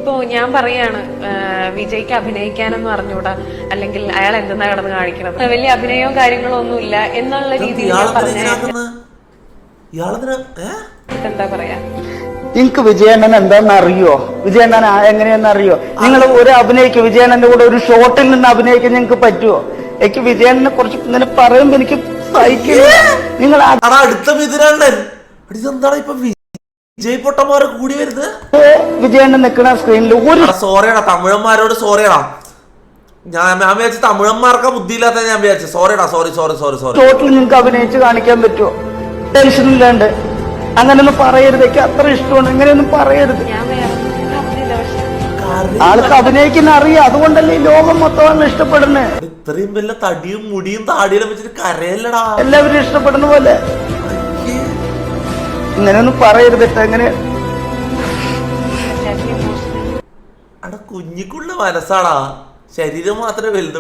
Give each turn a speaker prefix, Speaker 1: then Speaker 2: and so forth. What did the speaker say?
Speaker 1: ഇപ്പോ ഞാൻ പറയാണ് വിജയ്ക്ക് അഭിനയിക്കാനെന്ന് പറഞ്ഞൂടാ, അല്ലെങ്കിൽ അയാൾ എന്തെന്നാ കിടന്ന് കാണിക്കണത്, വലിയ അഭിനയവും കാര്യങ്ങളും ഒന്നും ഇല്ല എന്നുള്ള രീതിയിൽ എന്താ പറയാ.
Speaker 2: എനിക്ക് വിജയണ്ണൻ എന്താന്ന് അറിയോ? വിജയണ്ണൻ എങ്ങനെയാന്ന് അറിയോ? നിങ്ങൾ ഒരു അഭിനയിക്കും വിജയണ്ണന്റെ കൂടെ ഒരു ഷോട്ടിൽ നിന്ന് അഭിനയിക്കാൻ നിങ്ങൾക്ക് പറ്റുമോ? എനിക്ക് വിജയണ്ണനെ കുറിച്ച് ഇങ്ങനെ പറയുമ്പോ എനിക്ക് സഹിക്കില്ല. നിങ്ങൾ
Speaker 3: അടുത്ത മിഥുനണ്ണൻ ഇതെന്താണ് ഇപ്പൊ വിജയ് പൊട്ടന്മാരെ കൂടി വരുന്നത്?
Speaker 2: വിജയണ്ണൻ നിൽക്കുന്ന സ്ക്രീനിൽ ഒരു
Speaker 3: സോറിയടാ തമിഴന്മാരോട് സോറിയടാ. ഞാൻ വിചാരിച്ചു തമിഴന്മാർക്ക് ബുദ്ധിയില്ലാത്ത ഞാൻ വിചാരിച്ചു. സോറിയടാ, സോറി സോറി സോറി സോറി.
Speaker 2: ഷോട്ടിൽ നിങ്ങൾക്ക് അഭിനയിച്ച് കാണിക്കാൻ പറ്റുമോ? ടെൻഷൻ ഇല്ലാണ്ട് അങ്ങനെയൊന്നും പറയരുത്. എനിക്ക് അത്ര ഇഷ്ടമാണ്. ഇങ്ങനെയൊന്നും പറയരുത്. ആൾക്ക് അഭിനയിക്കുന്ന അറിയാം, അതുകൊണ്ടല്ലേ ഈ ലോകം മൊത്തം ഇഷ്ടപ്പെടുന്നത്.
Speaker 3: ഇത്രയും വല്ല തടിയും മുടിയും താടിയെല്ലാം വെച്ചിട്ട് കരയല്ലടാ.
Speaker 2: എല്ലാവരും ഇഷ്ടപ്പെടുന്ന പോലെ ഇങ്ങനെയൊന്നും പറയരുത്. എങ്ങനെ
Speaker 3: കുഞ്ഞിക്കുള്ള മനസ്സാടാ, ശരീരം മാത്രമേ വലുത്.